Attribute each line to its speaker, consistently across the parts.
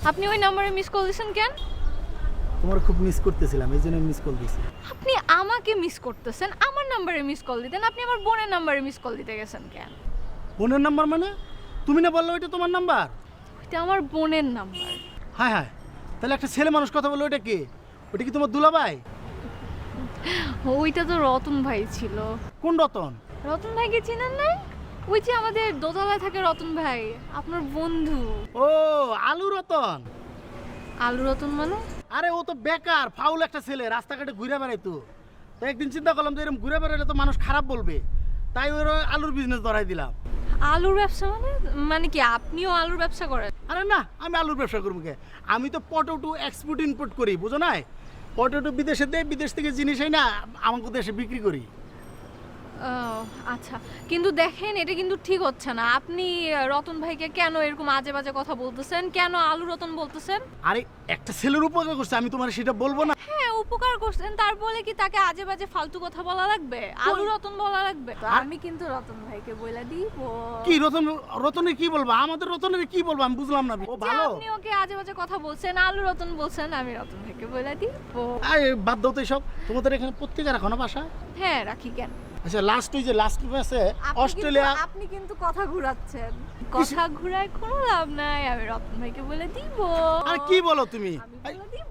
Speaker 1: আপনি ওই নাম্বারে মিস কল দিয়েছেন কেন?
Speaker 2: তোমার খুব মিস করতেছিলাম, এই জন্য মিস কল দিছি।
Speaker 1: আপনি আমাকে মিস করতেছেন, আমার নাম্বারে মিস কল দিতেন, আপনি আমার বোনের নাম্বারে মিস কল দিতে গেছেন কেন?
Speaker 2: বোনের নাম্বার মানে? তুমি না বললো ওইটা তোমার নাম্বার?
Speaker 1: এটা আমার বোনের নাম্বার।
Speaker 2: হ্যাঁ হ্যাঁ, তাহলে একটা ছেলে মানুষ কথা বললো, ওইটা কে? ওইটা কি তোমার দুলাভাই?
Speaker 1: ওইটা তো রতন ভাই ছিল।
Speaker 2: কোন রতন?
Speaker 1: রতন ভাইকে চিনেন না? ওই যে আমাদের দোতলায় থাকে রতন ভাই, আপনার বন্ধু।
Speaker 2: ও, আলু রতন।
Speaker 1: আলু রতন মানে?
Speaker 2: আরে ও তো বেকার ফাউল একটা ছেলে, রাস্তাঘাটে ঘুরে বেড়াইতো। তো একদিন চিন্তা করলাম যে এরকম ঘুরে বেড়ালে তো মানুষ খারাপ বলবে, তাই ওর আলুর বিজনেস ধরাই দিলাম।
Speaker 1: আলুর ব্যবসা মানে? মানে কি আপনিও আলুর ব্যবসা করেন?
Speaker 2: আরে না, আমি আলুর ব্যবসা করবো কে? আমি তো পটেটো এক্সপোর্ট ইম্পোর্ট করি, বুঝো নাই? পটেটো বিদেশে দেয়, বিদেশ থেকে জিনিস হয় না আমাকে দেশে বিক্রি করি।
Speaker 1: ও, আচ্ছা, কিন্তু দেখেন এটা কিন্তু ঠিক হচ্ছে না। আপনি রতন ভাইকে কেন এরকম আজে বাজে কথা বলতেছেন? কেন আলু রতন বলতেছেন?
Speaker 2: আরে একটা ছেলের উপকার করছে, আমি তোমার সেটা বলবো না?
Speaker 1: হ্যাঁ, উপকার করছেন, তারপরে কি তাকে আজে বাজে ফালতু কথা বলা লাগবে? আলু রতন বলা লাগবে? তো আমি কিন্তু রতন ভাইকে বলে দিব।
Speaker 2: কি রতন? রতনের কি বলবো? আমাদের রতনের কি বলবো আমি বুঝলাম না। ও
Speaker 1: যে
Speaker 2: ভালো।
Speaker 1: আপনি ওকে আজে বাজে কথা বলছেন, আলু রতন বলছেন, আমি রতন ভাইকে বলে দিব।
Speaker 2: আরে বাদ দাও তো এসব। তোমাদের এখানে পত্রিকা রাখো না বাসা?
Speaker 1: হ্যাঁ, রাখি কেন?
Speaker 2: আচ্ছা, লাস্ট ওই যে লাস্ট ম্যাচে
Speaker 1: আপনি
Speaker 2: অস্ট্রেলিয়া।
Speaker 1: আপনি কিন্তু কথা ঘুরাচ্ছেন। কথা ঘুরায় কোনো লাভ নাই। আমি রতন ভাইকে বলে দিব।
Speaker 2: আর কি বলো তুমি?
Speaker 1: আমি বলে দিব।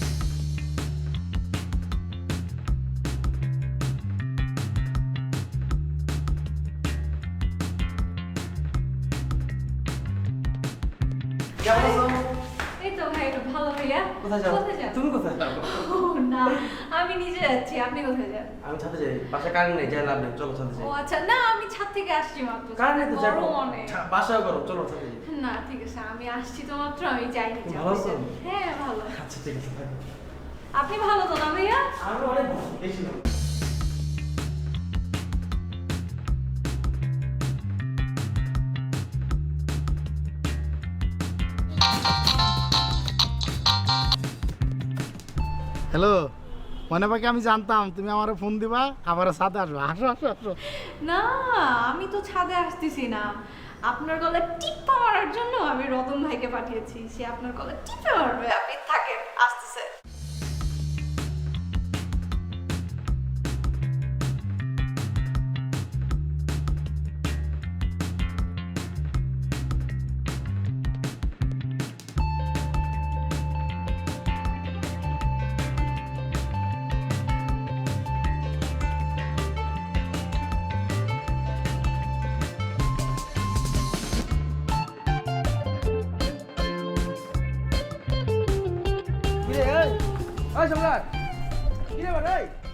Speaker 3: কেমন আছো?
Speaker 1: এই তো ভাই, ভালো ভাইয়া।
Speaker 3: কোথায় যাও?
Speaker 1: যান?
Speaker 3: তুমি কোথায় যাও?
Speaker 1: ও, না, আমি নিজে যাচ্ছি। আপনি কোথায় যান?
Speaker 3: আমি ছাদে যাই, বাসায় কারেন্ট নেই, যাই লাভ নেই, চলো ছাদে যাই।
Speaker 1: ও আচ্ছা, না আমি ছাদ থেকে আসছি মাত্র।
Speaker 3: কারেন্ট নেই তো যাবো,
Speaker 1: গরম অনেক।
Speaker 3: বাসায় গরম, চলো ছাদে যাই।
Speaker 1: না ঠিক আছে, আমি আসছি তো মাত্র, আমি যাইনি।
Speaker 3: তুমি ভালো আছো?
Speaker 1: হ্যাঁ ভালো।
Speaker 3: আচ্ছা ঠিক আছে, থাকো।
Speaker 1: আপনি ভালো তো না ভাইয়া?
Speaker 3: আমি অনেক ভালো, বেশি ভালো।
Speaker 2: হ্যালো, মনে পাকি আমি জানতাম তুমি আমার ফোন দিবা, আবার সাথে আসবো। আসো আসো আসো।
Speaker 1: না, আমি তো ছাদে আসতেছি না। আপনার গলায় টিপ্পা মারার জন্য আমি রতন ভাইকে পাঠিয়েছি। সে আপনার গলায় টিপে মারবে। আপনি থাকেন, আসতেছে।
Speaker 3: কিরে এই, ওই সম্রাট, কিরে বাড়ি?